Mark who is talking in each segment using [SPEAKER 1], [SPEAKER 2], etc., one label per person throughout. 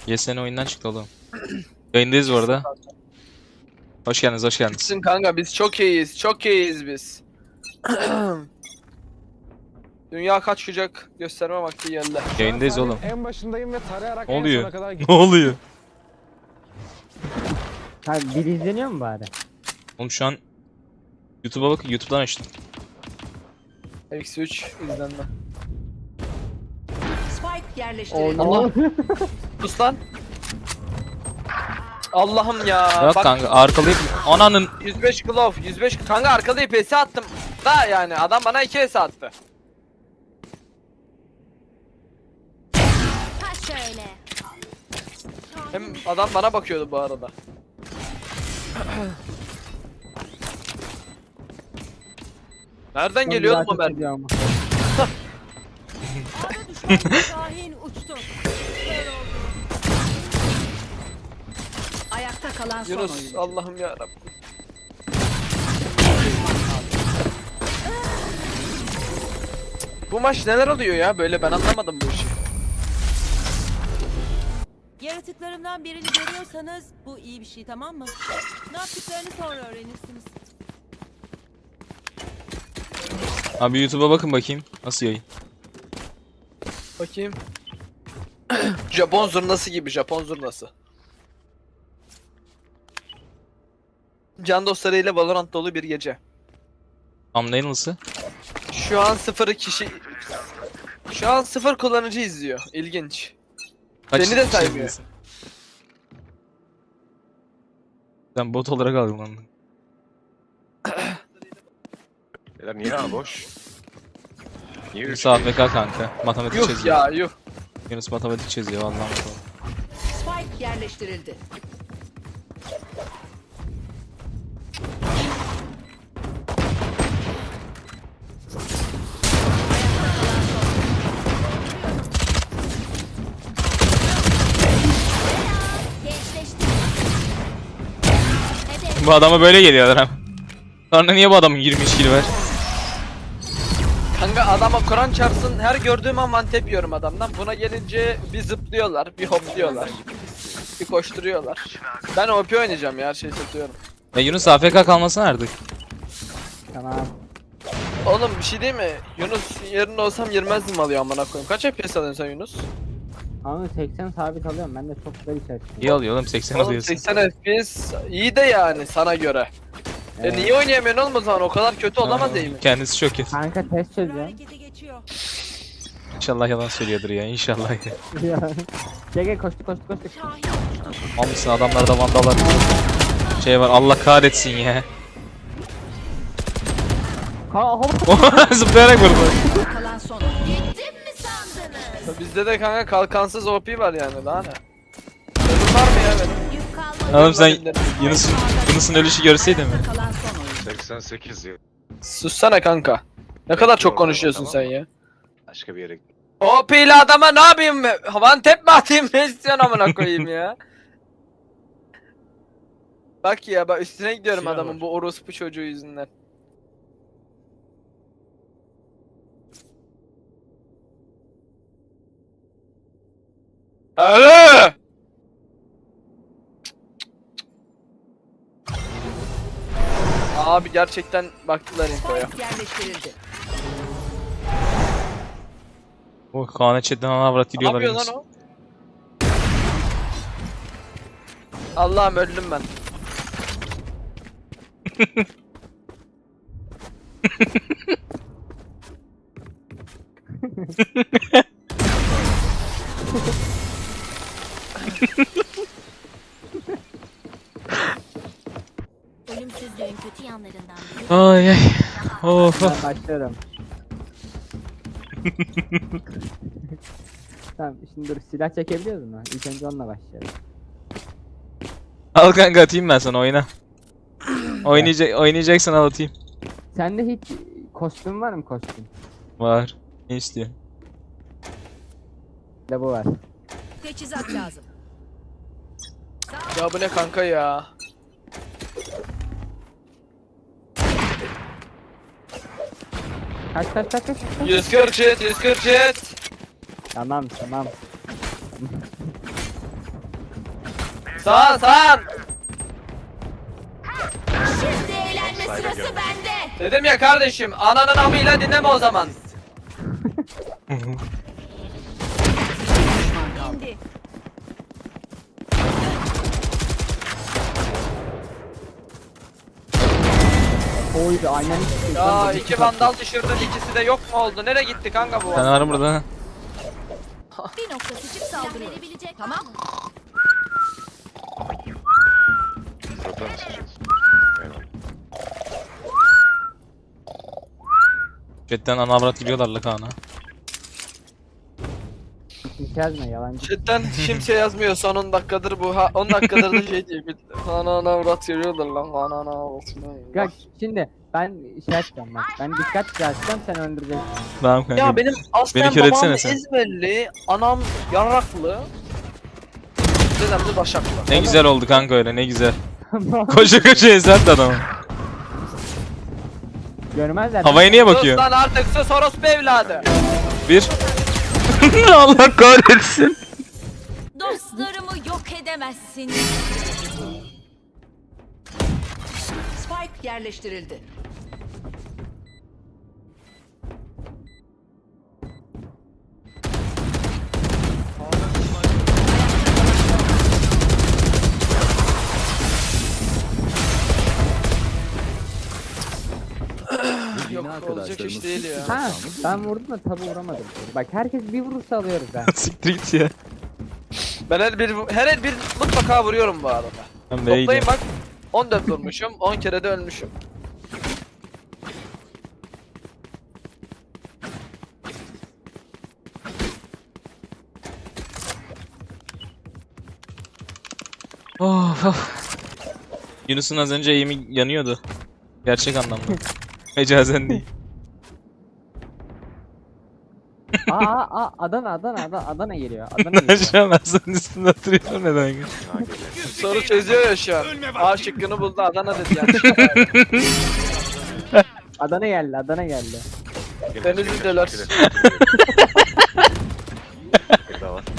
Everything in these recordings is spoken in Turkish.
[SPEAKER 1] YSN oyundan çıktı oğlum. Yayındayız bu arada. Hoş geldiniz, hoş geldiniz.
[SPEAKER 2] Gitsin kanka, biz çok iyiyiz. Çok iyiyiz biz. Dünya kaç kucak gösterme vakti geldi.
[SPEAKER 1] Yayındayız oğlum.
[SPEAKER 3] En başındayım ve tarayarak
[SPEAKER 1] Ne
[SPEAKER 3] en
[SPEAKER 1] oluyor?
[SPEAKER 3] sona kadar
[SPEAKER 1] Ne oluyor?
[SPEAKER 4] Ha biri izleniyor mu bari?
[SPEAKER 1] Oğlum şu an YouTube'a bakın, YouTube'dan açtım.
[SPEAKER 2] Eksi 3 izlenme.
[SPEAKER 5] Spike yerleştirildi.
[SPEAKER 2] Allah. Sus lan. Allah'ım ya.
[SPEAKER 1] Bak
[SPEAKER 2] Bak,
[SPEAKER 1] kanka arkalayıp ananın
[SPEAKER 2] 105 glove, 105 kanka arkalayıp PS attım. Da yani adam bana 2 PS attı.
[SPEAKER 6] Ha şöyle.
[SPEAKER 2] Hem adam bana bakıyordu bu arada. Nereden geliyordu bu mermi?
[SPEAKER 5] A'da düşman Şahin uçtu. Kör oldu. Ayakta kalan son
[SPEAKER 2] Yunus,
[SPEAKER 5] oyuncu.
[SPEAKER 2] Allah'ım ya Rabbim. Bu maç neler oluyor ya böyle, ben anlamadım bu işi.
[SPEAKER 7] Yaratıklarımdan birini görüyorsanız bu iyi bir şey, tamam mı? Ne yaptıklarını sonra öğrenirsiniz.
[SPEAKER 1] abi YouTube'a bakın bakayım. Nasıl yayın?
[SPEAKER 2] Bakayım. Japon zurnası gibi, Japon zurnası. Can dostlarıyla Valorant dolu bir gece.
[SPEAKER 1] Thumbnail nasıl?
[SPEAKER 2] Şu an 0 kişi... Şu an 0 kullanıcı izliyor. İlginç.
[SPEAKER 1] Kaç
[SPEAKER 2] Beni de
[SPEAKER 1] kişi
[SPEAKER 2] saymıyor.
[SPEAKER 1] izliyorsun? Sen bot olarak algılandın.
[SPEAKER 3] Beyler niye ha boş? Niye
[SPEAKER 1] Yunus AFK kanka. Matematik
[SPEAKER 2] Yuh
[SPEAKER 1] çiziyor.
[SPEAKER 2] ya yuh.
[SPEAKER 1] Yunus matematik çiziyor vallahi.
[SPEAKER 5] Spike yerleştirildi.
[SPEAKER 6] Gençleştim. Hedef.
[SPEAKER 1] Bu adama böyle geliyorlar hem. Sonra niye bu adamın 23 kili var?
[SPEAKER 2] Kanka adama Kur'an çarpsın, her gördüğüm an one tap yiyorum adamdan. Buna gelince bir zıplıyorlar, bir hopluyorlar. Bir koşturuyorlar. Ben OP oynayacağım ya, her şeyi satıyorum.
[SPEAKER 1] Ya Yunus AFK kalmasın artık.
[SPEAKER 4] Tamam.
[SPEAKER 2] Oğlum bir şey değil mi? Yunus yerinde olsam girmezdim alıyor amına koyayım. Kaç FPS alıyorsun sen Yunus?
[SPEAKER 4] Ama 80 sabit alıyorum. Ben de çok güzel bir şey.
[SPEAKER 1] İyi alıyor oğlum 80
[SPEAKER 2] Oğlum
[SPEAKER 1] alıyorsun.
[SPEAKER 2] 80 FPS iyi de yani sana göre.
[SPEAKER 4] Evet.
[SPEAKER 2] Niye oynayamıyorsun oğlum o zaman? O kadar kötü olamaz değil mi?
[SPEAKER 1] Kendisi çok kötü.
[SPEAKER 4] Kanka test
[SPEAKER 7] Bir
[SPEAKER 4] çözüyorum.
[SPEAKER 7] harekete geçiyor.
[SPEAKER 1] İnşallah yalan söylüyordur ya inşallah ya.
[SPEAKER 4] Gel koştu.
[SPEAKER 7] Şahin.
[SPEAKER 1] Almışsın adamlarda vandalar. Şey var Allah kahretsin ya. Zıplayarak vurdu.
[SPEAKER 5] Ayakta kalan son oyuncu.
[SPEAKER 6] Gittim mi sandınız?
[SPEAKER 2] Bizde de kanka kalkansız OP var yani, daha ne? Ölüm var mı ya benim?
[SPEAKER 6] Yük kalmadı.
[SPEAKER 1] Oğlum sen Yunus'un ölüşü görseydin mi?
[SPEAKER 5] Ayakta kalan son oyuncu.
[SPEAKER 3] 88 ya.
[SPEAKER 2] Sussana kanka. Ne kadar çok konuşuyorsun sen ya.
[SPEAKER 3] Başka bir yere.
[SPEAKER 2] OP ile adama ne yapayım? One tap mi atayım, ne istiyorsun amına koyayım ya? Bak ya, bak üstüne gidiyorum
[SPEAKER 3] Silah
[SPEAKER 2] adamın
[SPEAKER 3] var.
[SPEAKER 2] bu orospu çocuğu yüzünden. Alo! Abi gerçekten baktılar infoya.
[SPEAKER 5] Spike yerleştirildi.
[SPEAKER 1] Oh Kaan'a chatten ana avrat
[SPEAKER 2] Ne
[SPEAKER 1] gidiyorlar
[SPEAKER 2] yapıyor
[SPEAKER 1] Yunus.
[SPEAKER 2] lan o? Allah'ım öldüm ben.
[SPEAKER 6] Ölümsüzlüğün kötü yanlarından biri.
[SPEAKER 1] Ay ay. Of
[SPEAKER 4] Ben
[SPEAKER 1] of.
[SPEAKER 4] başlıyorum. Tamam şimdi dur silah çekebiliyoruz mu? İlk önce onunla başlayalım.
[SPEAKER 1] Al kanka atayım ben sana oyna. Oynayacaksan al atayım.
[SPEAKER 4] Sende hiç kostüm var mı kostüm?
[SPEAKER 1] Var. Ne istiyor?
[SPEAKER 4] Bir de bu var.
[SPEAKER 5] Teçhizat lazım.
[SPEAKER 2] Ya bu ne kanka ya?
[SPEAKER 4] Kaç.
[SPEAKER 2] 140 jet, 140 jet.
[SPEAKER 4] Tamam.
[SPEAKER 2] Sağ sağ.
[SPEAKER 6] Şimdi eğlenme sırası bende.
[SPEAKER 2] Dedim ya kardeşim, ananın amıyla dinleme o zaman.
[SPEAKER 6] İndi.
[SPEAKER 4] Oydu aynen.
[SPEAKER 2] Ya iki vandal düşürdün, ikisi de yok mu oldu? Nereye gitti kanka bu
[SPEAKER 1] Sen
[SPEAKER 2] vandal?
[SPEAKER 1] var burada.
[SPEAKER 6] Bir noktasıcık saldırıyor. Verebilecek tamam.
[SPEAKER 3] Zaten sıçacağız. Eyvallah.
[SPEAKER 1] Chatten ana avrat gidiyorlar la Kaan'a.
[SPEAKER 4] Kimse yazma yalancı.
[SPEAKER 2] Chatten kimse yazmıyor son 10 dakikadır bu. 10 dakikadır da şey diyor. Ana avrat görüyorlar lan. Ana avrat.
[SPEAKER 4] Bak şimdi ben şey yapacağım bak. Ben dikkat açacağım sen öldüreceksin.
[SPEAKER 1] Tamam kanka.
[SPEAKER 2] Ya benim aslen
[SPEAKER 1] kör
[SPEAKER 2] babam
[SPEAKER 1] etsene sen.
[SPEAKER 2] İzmirli, anam Yarraklı. Dedem de Başaklı.
[SPEAKER 1] Ne güzel oldu kanka öyle ne güzel. Koşa koşa ezerdi adamı.
[SPEAKER 4] Görmezler.
[SPEAKER 1] Havaya niye
[SPEAKER 2] Sus
[SPEAKER 1] bakıyor?
[SPEAKER 2] lan artık sus orospu evladı.
[SPEAKER 1] Bir. Allah kahretsin.
[SPEAKER 6] Dostlarımı yok edemezsin.
[SPEAKER 5] Spike yerleştirildi.
[SPEAKER 2] Yok olacak iş değil ya.
[SPEAKER 4] Ha ben vurdum da tabi vuramadım. Bak herkes bir vurursa alıyoruz ha.
[SPEAKER 1] Siktir git ya.
[SPEAKER 2] Ben her el bir mutlaka vuruyorum bu arada.
[SPEAKER 1] Ben B'ye
[SPEAKER 2] Toplayın
[SPEAKER 1] gidiyorum.
[SPEAKER 2] bak. 14 vurmuşum, 10 kere de ölmüşüm.
[SPEAKER 1] Of of. Yunus'un az önce eğimi yanıyordu. Gerçek anlamda. Mecazen değil.
[SPEAKER 4] Adana geliyor. Adana geliyor.
[SPEAKER 1] Şu an Hasan'ın üstünde oturuyorum neden?
[SPEAKER 3] Ha, geliyor.
[SPEAKER 2] Soru çözüyor ya şu an. A şıkkını buldu, Adana dedi yanlış.
[SPEAKER 4] Adana geldi. Adana geldi.
[SPEAKER 3] Gel,
[SPEAKER 2] Denizli
[SPEAKER 3] gel,
[SPEAKER 2] dolar.
[SPEAKER 3] gel, gel. Bir daha var.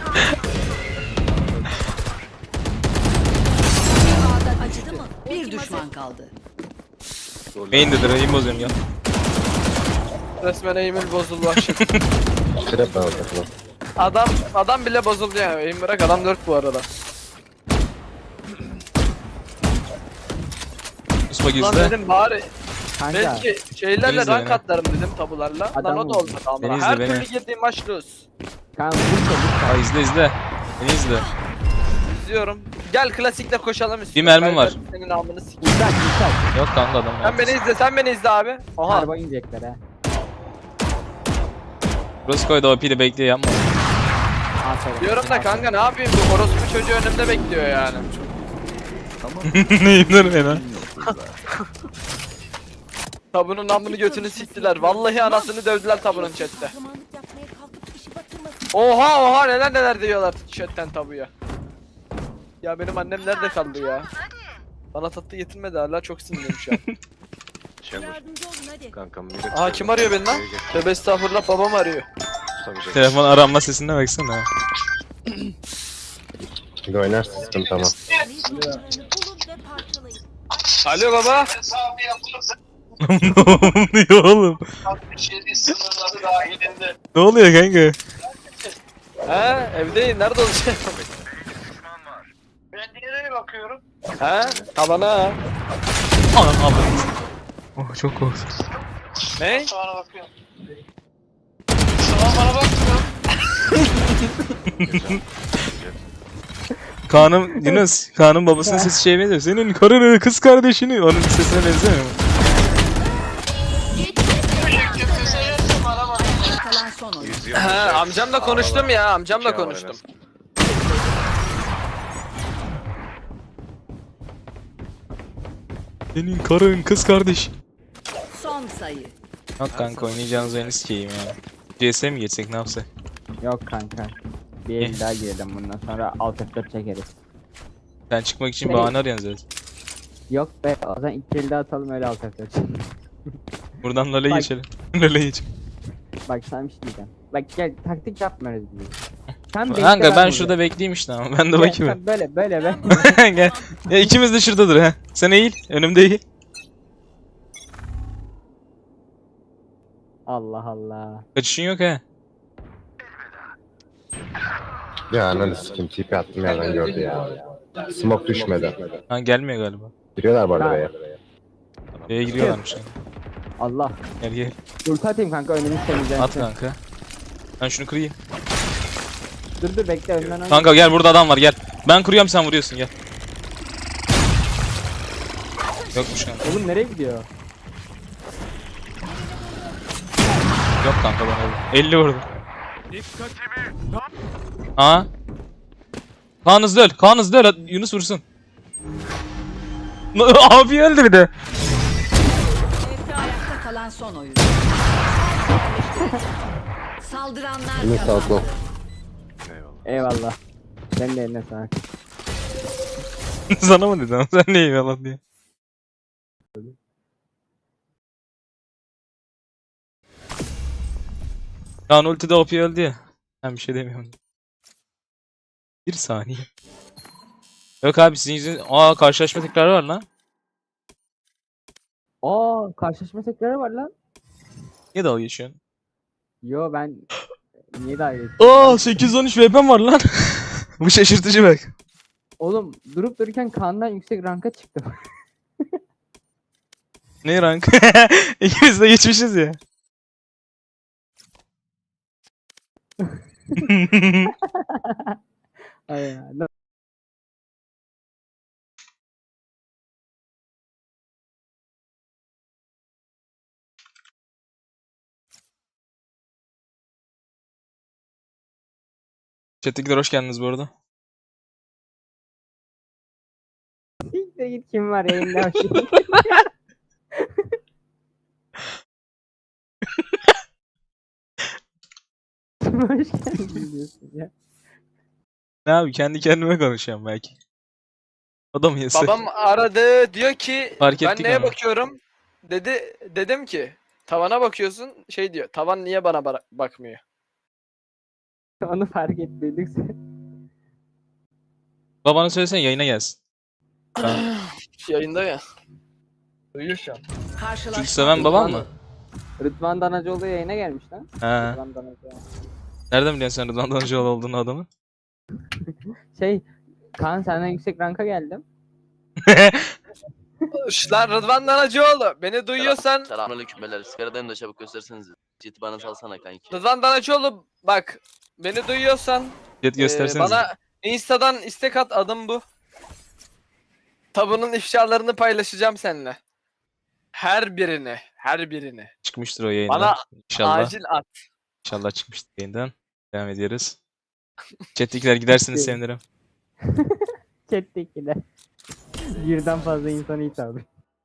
[SPEAKER 5] Acıdı mı? Bir düşman kaldı.
[SPEAKER 1] Main'dedir eğim bozuyorum ya.
[SPEAKER 2] Resmen eğimin bozuldu aşık. Adam bile bozuldu yani. Eğim bırak, adam 4 bu arada.
[SPEAKER 1] Uspa
[SPEAKER 2] Lan
[SPEAKER 1] gizle.
[SPEAKER 2] dedim bari
[SPEAKER 4] Kanka.
[SPEAKER 2] belki şeylerle
[SPEAKER 1] Denizli
[SPEAKER 2] rank
[SPEAKER 1] beni.
[SPEAKER 2] atlarım dedim tabularla. Lan
[SPEAKER 4] Adam
[SPEAKER 2] o da
[SPEAKER 4] oldu.
[SPEAKER 2] olmadı ama.
[SPEAKER 1] Denizli
[SPEAKER 2] Her
[SPEAKER 1] beni.
[SPEAKER 2] türlü girdiğim maç lose.
[SPEAKER 4] Kanka vur
[SPEAKER 1] Aa izle izle. Beni izle.
[SPEAKER 2] İzliyorum. Gel klasikle koşalım üstüne.
[SPEAKER 1] Bir mermim
[SPEAKER 2] Ben
[SPEAKER 1] var.
[SPEAKER 2] Senin alnını s***.
[SPEAKER 4] Uçak.
[SPEAKER 1] Yok kanka adam.
[SPEAKER 2] Sen beni izle, sen beni izle abi. Oha.
[SPEAKER 4] Araba inecekler ha.
[SPEAKER 1] Roscoe'da OP'de bekliyor yapma.
[SPEAKER 4] Aferin.
[SPEAKER 2] Diyorum da kanka ne yapayım, bu orospu çocuğu önümde bekliyor yani.
[SPEAKER 1] Neyim lan ben ha?
[SPEAKER 2] Tabunun namını götünü siktiler. Vallahi anasını dövdüler tabunun chatte.
[SPEAKER 7] Kahramanlık yapmaya kalkıp işi batırmasın.
[SPEAKER 2] Oha neler diyorlar chatten tabuya. Ya benim annem nerede kaldı ya? Bana tatlı getirmedi hala, çok sinirliyim şu an.
[SPEAKER 3] Şey var.
[SPEAKER 7] Yardımcı olun hadi.
[SPEAKER 3] Kankam millet.
[SPEAKER 2] Aa kim arıyor beni lan? Tövbe estağfurullah, babam arıyor.
[SPEAKER 3] Tutamayacak.
[SPEAKER 1] Telefon aranma sesine baksana.
[SPEAKER 8] Bir oynarsın sıkıntı tamam.
[SPEAKER 7] Bulun ve parçalayın.
[SPEAKER 2] Alo baba.
[SPEAKER 1] Ne oluyor oğlum? Ne oluyor kanka?
[SPEAKER 2] He evdeyim, nerede olacak?
[SPEAKER 9] Ben nereye bakıyorum?
[SPEAKER 2] He tabana.
[SPEAKER 1] Anam ablam. Oh çok korktum.
[SPEAKER 2] Ne?
[SPEAKER 9] Sana bakıyorum. Sana bana bakmıyor.
[SPEAKER 1] Kaan'ın Yunus, Kaan'ın babasının sesi şeye benziyor. Senin karını, kız kardeşini, onun sesine benzemiyor mu?
[SPEAKER 9] Kimse seyretsin bana bak.
[SPEAKER 5] Kalan son oyun.
[SPEAKER 3] Yüzüyor.
[SPEAKER 2] He amcamla konuştum ya, amcamla
[SPEAKER 3] İki var en
[SPEAKER 2] konuştum.
[SPEAKER 3] az.
[SPEAKER 1] Senin karın, kız kardeşin.
[SPEAKER 5] Son sayı.
[SPEAKER 1] Yok kanka oynayacağınız oyunu sikeyim ya. CS mi geçsek ne yapsak?
[SPEAKER 4] Yok kanka. Bir el daha girelim bundan sonra alt F4 çekeriz.
[SPEAKER 1] Sen çıkmak için bahane arıyorsun zaten.
[SPEAKER 4] Yok be o zaman iki el daha atalım öyle alt F4 çekelim.
[SPEAKER 1] Buradan LoL'e
[SPEAKER 4] Bak.
[SPEAKER 1] geçelim. LoL'e geçelim.
[SPEAKER 4] Bak sana bir şey diyeceğim. Bak gel taktik yapmıyoruz biz. Sen bekle,
[SPEAKER 1] Kanka ben
[SPEAKER 4] buradayım.
[SPEAKER 1] şurada bekleyeyim işte ama ben de
[SPEAKER 4] Gel,
[SPEAKER 1] bakayım.
[SPEAKER 4] sen böyle be.
[SPEAKER 1] Gel. Ya ikimiz de şuradadır ha. Sen eğil. Önümde eğil.
[SPEAKER 4] Allah Allah.
[SPEAKER 1] Kaçışın yok ha.
[SPEAKER 8] Ya ananı sikim tipi attım yerden gördü ya. Smoke düşmedi.
[SPEAKER 1] Ha gelmiyor galiba.
[SPEAKER 8] Giriyorlar bu arada
[SPEAKER 4] Ha.
[SPEAKER 8] B'ye.
[SPEAKER 1] B'ye giriyorlarmış yani.
[SPEAKER 4] Allah.
[SPEAKER 1] Gel gel.
[SPEAKER 4] Ulti atayım kanka, önümüz temizlensin.
[SPEAKER 1] At kanka. Ben şunu kırayım.
[SPEAKER 4] Dur bekle, önden oynayayım.
[SPEAKER 1] Kanka gel, burada adam var, gel. Ben kuruyorum, sen vuruyorsun, gel. Yokmuş kanka.
[SPEAKER 4] Oğlum nereye gidiyor?
[SPEAKER 1] Yok kanka, bana vurdu. 50 vurdu. Aa. Kaan hızlı öl. Kaan hızlı öl. Yunus vursun. Abi öldü bir de.
[SPEAKER 5] Ayakta kalan son oyun. Saldıranlar
[SPEAKER 8] Yunus
[SPEAKER 5] kazandı.
[SPEAKER 8] outlaw.
[SPEAKER 3] Eyvallah.
[SPEAKER 4] Eyvallah. Sen de eline sağlık.
[SPEAKER 1] Sana mı dedim? Sen ne eyvallah diye. Kaan ultide OP öldü ya. Ben bir şey demiyorum. Bir saniye. Yok abi, sizin yüzünüz... Aa, karşılaşma tekrarı var lan.
[SPEAKER 4] Karşılaşma tekrarı var lan.
[SPEAKER 1] Niye dalga geçiyorsun?
[SPEAKER 4] Yo ben niye daha iyi?
[SPEAKER 1] Aa, 813 VP'm var lan. Bu şaşırtıcı bak.
[SPEAKER 4] Oğlum durup dururken Kaan'dan yüksek ranka çıktım.
[SPEAKER 1] Ne rank? İkimiz de geçmişiz ya.
[SPEAKER 4] Ay ya.
[SPEAKER 1] Chat'tekiler hoş geldiniz bu arada.
[SPEAKER 4] Siktir git, kim var yayında? Hoş geldin diyorsun ya.
[SPEAKER 1] Ne abi, kendi kendime konuşuyorum belki. O da mı yasak?
[SPEAKER 2] Babam aradı, diyor ki
[SPEAKER 1] Fark
[SPEAKER 2] ben
[SPEAKER 1] ettik
[SPEAKER 2] neye
[SPEAKER 1] ama.
[SPEAKER 2] bakıyorum? Dedim ki tavana bakıyorsun, şey diyor. Tavan niye bana bakmıyor?
[SPEAKER 4] Onu fark etmedik.
[SPEAKER 1] Babana söylesene yayına gelsin. Ben...
[SPEAKER 2] Yayında ya. Duyuyor şu an.
[SPEAKER 5] Karşılaşma.
[SPEAKER 1] Çocuk seven babam mı?
[SPEAKER 4] Rıdvan Danacıoğlu yayına gelmiş lan.
[SPEAKER 1] Ha.
[SPEAKER 4] Rıdvan Danacıoğlu.
[SPEAKER 1] Nereden biliyorsun sen Rıdvan Danıcıoğlu olduğunu adamın?
[SPEAKER 4] Kaan senden yüksek ranka geldim.
[SPEAKER 2] Lan Rıdvan Danacıoğlu, beni duyuyorsan
[SPEAKER 10] Selamünaleyküm beyler. Sigaradayım da çabuk gösterirseniz. Ciddi bana salsana kanki.
[SPEAKER 2] Rıdvan Danacıoğlu bak, beni duyuyorsan
[SPEAKER 1] Jet gösterseniz.
[SPEAKER 2] bana Insta'dan istek at, adım bu. Tabunun ifşalarını paylaşacağım seninle. Her birini.
[SPEAKER 1] Çıkmıştır o yayından.
[SPEAKER 2] Bana
[SPEAKER 1] İnşallah.
[SPEAKER 2] acil at.
[SPEAKER 1] İnşallah çıkmıştır yayından. Devam ediyoruz. Chat'tekiler giderseniz sevinirim.
[SPEAKER 4] Chat'tekiler. Birden fazla insanı hitap.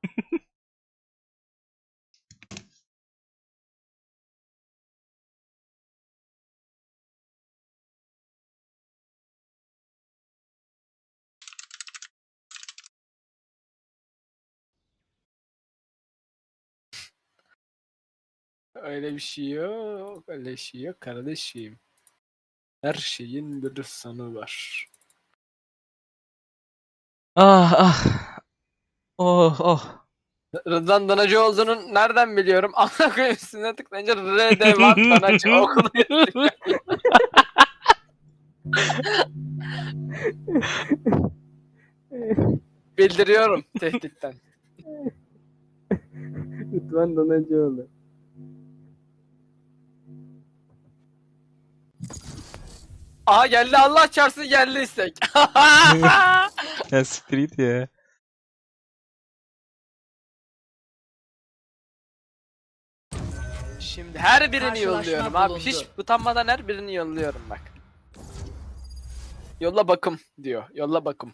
[SPEAKER 2] Öyle bir şey yok. Öyle bir şey yok kardeşim. Her şeyin bir sonu var.
[SPEAKER 1] Ah ah. Oh oh.
[SPEAKER 2] Rıdvan Danacıoğlu'nun nereden biliyorum? Ana koyayım, üstüne tıklayınca Rıdvan Danacıoğlu yazıyor. Bildiriyorum tehditten.
[SPEAKER 4] Rıdvan Danacıoğlu.
[SPEAKER 2] Aha geldi, Allah çarpsın, geldi istek.
[SPEAKER 1] Ya siktir git ya.
[SPEAKER 2] Şimdi her birini
[SPEAKER 5] Karşılaşma
[SPEAKER 2] yolluyorum abi.
[SPEAKER 5] bulundu.
[SPEAKER 2] Hiç utanmadan her birini yolluyorum bak. Yolla bakım diyor. Yolla bakım.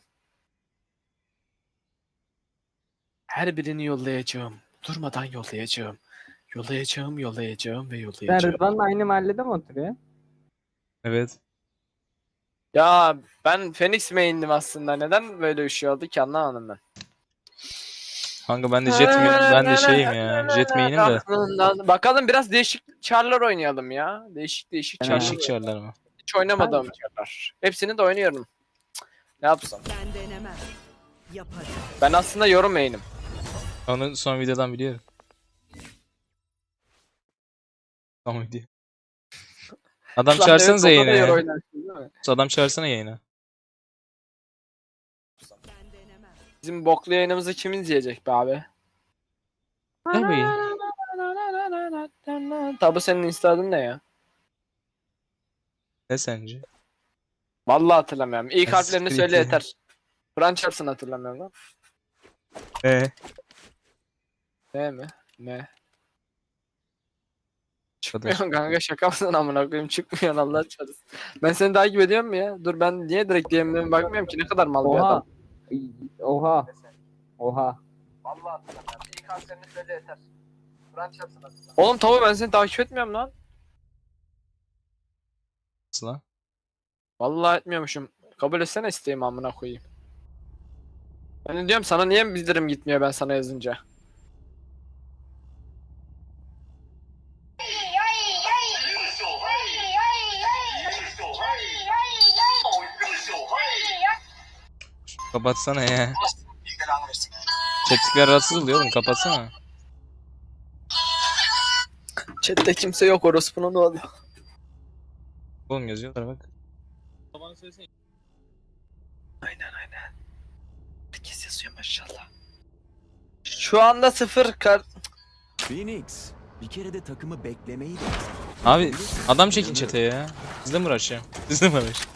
[SPEAKER 2] Her birini yollayacağım. Durmadan yollayacağım. Yollayacağım ve
[SPEAKER 4] Sen
[SPEAKER 2] yollayacağım.
[SPEAKER 4] Rıdvan'la aynı mahallede mi oturuyor?
[SPEAKER 1] Evet.
[SPEAKER 2] Ya ben Phoenix main'dim aslında. Neden böyle bir şey oldu ki, anlamadım ben.
[SPEAKER 1] Kanka ben de ben de şeyim ya. Jet main'im de.
[SPEAKER 2] Bakalım biraz değişik char'lar oynayalım ya. Değişik
[SPEAKER 4] Ben
[SPEAKER 2] char'lar.
[SPEAKER 1] Değişik çarlar mı?
[SPEAKER 2] Hiç oynamadığım yerler. Hepsini de oynuyorum. Cık, ne yapsam?
[SPEAKER 7] Ben denemem. Yaparım.
[SPEAKER 2] Ben aslında yorum main'im.
[SPEAKER 1] Onu son videodan biliyorum. Son video. Adam
[SPEAKER 2] Lan
[SPEAKER 1] çağırsanıza
[SPEAKER 2] evet, o kadar
[SPEAKER 1] yayına ya.
[SPEAKER 2] oynarsın değil mi?
[SPEAKER 1] Adam çağırsana yayına.
[SPEAKER 7] Ben denemem.
[SPEAKER 2] Bizim boklu yayınımızı kim izleyecek be abi?
[SPEAKER 1] Tabii.
[SPEAKER 2] Tabi senin instaladın ne ya?
[SPEAKER 1] Ne sence?
[SPEAKER 2] Vallahi hatırlamıyorum. İlk
[SPEAKER 1] Ya
[SPEAKER 2] harflerini
[SPEAKER 1] siktir
[SPEAKER 2] söyle
[SPEAKER 1] git ya.
[SPEAKER 2] yeter. Kur'an çarpsın hatırlamıyorum lan. Ne mi? Ne? Çıkmıyorsun kanka, şaka mısın amına koyayım, çıkmıyorsun Allah çarpsın. Ben seni takip ediyorum mu ya? Dur, ben niye direkt DM'lerime bakmıyorum ki, ne kadar mal bir
[SPEAKER 4] Oha.
[SPEAKER 2] adam.
[SPEAKER 4] Oha. Oha.
[SPEAKER 2] Vallahi hatırlamıyorum. İlk harflerini söyle yeter. Kur'an çarpsın hatırlamıyorum. Oğlum tabi ben seni takip etmiyorum lan.
[SPEAKER 1] Nasıl lan?
[SPEAKER 2] Vallahi etmiyormuşum. Kabul etsene isteğimi amına koyayım. Ben de diyorum sana niye bildirim gitmiyor ben sana yazınca.
[SPEAKER 1] Kapatsana ya. Chat'likler rahatsız oluyor oğlum, kapatsana.
[SPEAKER 2] Chat'te kimse yok, orospunun ne oluyor?
[SPEAKER 1] Oğlum yazıyorlar bak.
[SPEAKER 2] Aynen. Herkes yazıyor maşallah. Şu anda 0 kar...
[SPEAKER 11] Phoenix, bir kere de takımı beklemeyi de.
[SPEAKER 1] Abi adam çekin chat'e ya. Sizle mi uğraşacağım? Sizle mi uğraşacağım?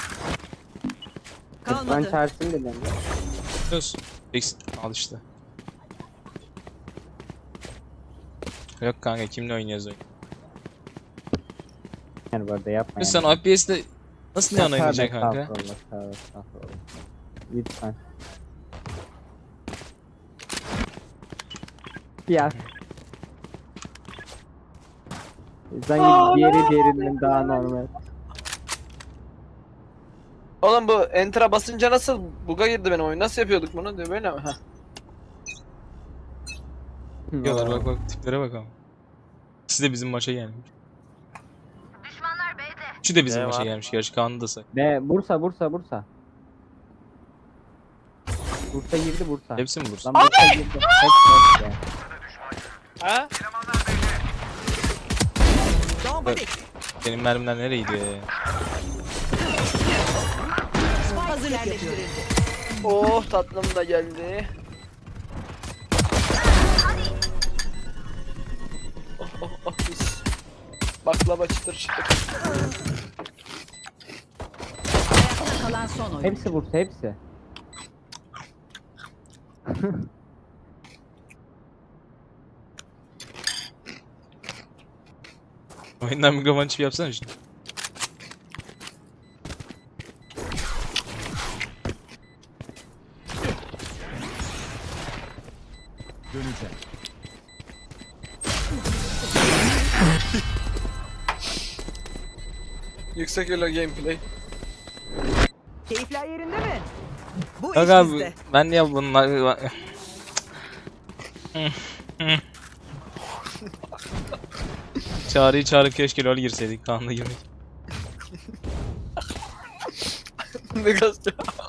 [SPEAKER 4] Ben
[SPEAKER 7] Kalmadı.
[SPEAKER 4] çağırsın dedim.
[SPEAKER 1] Sus. Al işte. Yok kanka, kimle oynuyoruz oyun?
[SPEAKER 4] Yani bu arada yapma
[SPEAKER 1] Sen FPS'de nasıl yan oynayacaksın kanka?
[SPEAKER 4] Estağfurullah. Lütfen. Ya. Sanki diğerinden daha normal.
[SPEAKER 2] Oğlum bu enter'a basınca nasıl buga girdi benim oyun? Nasıl yapıyorduk bunu? Diyor böyle mi? Heh.
[SPEAKER 1] Diyorlar bak tiplere bak ama. İkisi de bizim maça gelmiş. Üçü de bizim
[SPEAKER 10] Ne
[SPEAKER 1] maça
[SPEAKER 10] var?
[SPEAKER 1] gelmiş. Gerçi Kaan'ı da sak.
[SPEAKER 4] Ne? Bursa. Bursa girdi Bursa.
[SPEAKER 1] Hepsi mi Bursa?
[SPEAKER 4] Lan Bursa girdi. Hepsi.
[SPEAKER 2] Ha?
[SPEAKER 1] Benim mermiler nereye gidiyor ya?
[SPEAKER 7] Hazırlık yapıyorum.
[SPEAKER 2] Oh, tatlım da geldi. Oh mis. Baklava çıtır çıtır.
[SPEAKER 5] Ayakta kalan son oyun.
[SPEAKER 4] Hepsi Bursa hepsi.
[SPEAKER 1] Oyundan mikrofon çipi yapsana şimdi.
[SPEAKER 11] Döneceğim.
[SPEAKER 2] Yüksek elo gameplay.
[SPEAKER 7] Keyifler yerinde mi? Bu
[SPEAKER 1] Bak
[SPEAKER 7] iş
[SPEAKER 1] abi
[SPEAKER 7] bizde.
[SPEAKER 1] ben ya bunlar... Çağrı'yı çağırıp keşke LoL girseydik, Kaan'la girmek.
[SPEAKER 2] Ne gazete?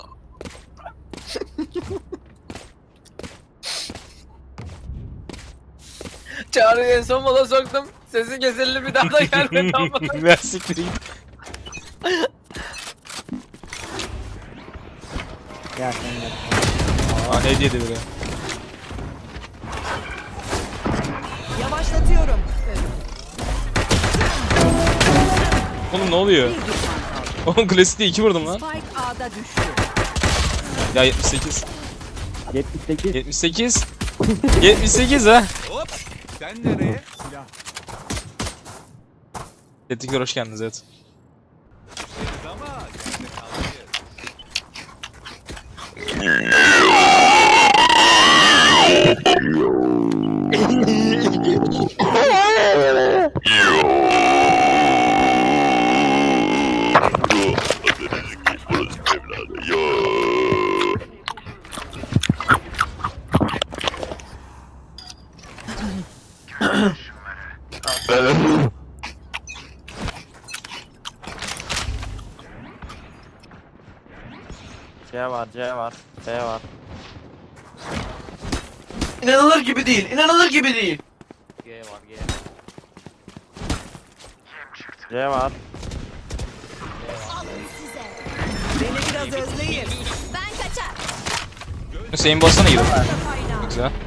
[SPEAKER 2] Çağrı'yı en son mola soktum. Sesi kesildi, bir daha da gelmedi ama.
[SPEAKER 1] Ben siktireyim.
[SPEAKER 4] Ya sen de.
[SPEAKER 1] Aa ne diyedi böyle?
[SPEAKER 7] Yavaşlatıyorum.
[SPEAKER 1] Oğlum ne oluyor? Oğlum klasikte 2 vurdum lan.
[SPEAKER 5] Spike A'da düştü.
[SPEAKER 1] Ya 78.
[SPEAKER 4] 78.
[SPEAKER 1] 78. 78 ha.
[SPEAKER 11] Sen nereye? Silah.
[SPEAKER 1] Tetikler hoş geldiniz evet.
[SPEAKER 11] Ama sen de kalmayın.
[SPEAKER 2] C var, C var, B var.
[SPEAKER 9] İnanılır gibi değil. İnanılır gibi değil.
[SPEAKER 2] G var, G. C var.
[SPEAKER 6] Alın size.
[SPEAKER 7] Beni biraz özleyin.
[SPEAKER 6] Ben kaçar.
[SPEAKER 1] Hüseyin bassana gidip. Güzel.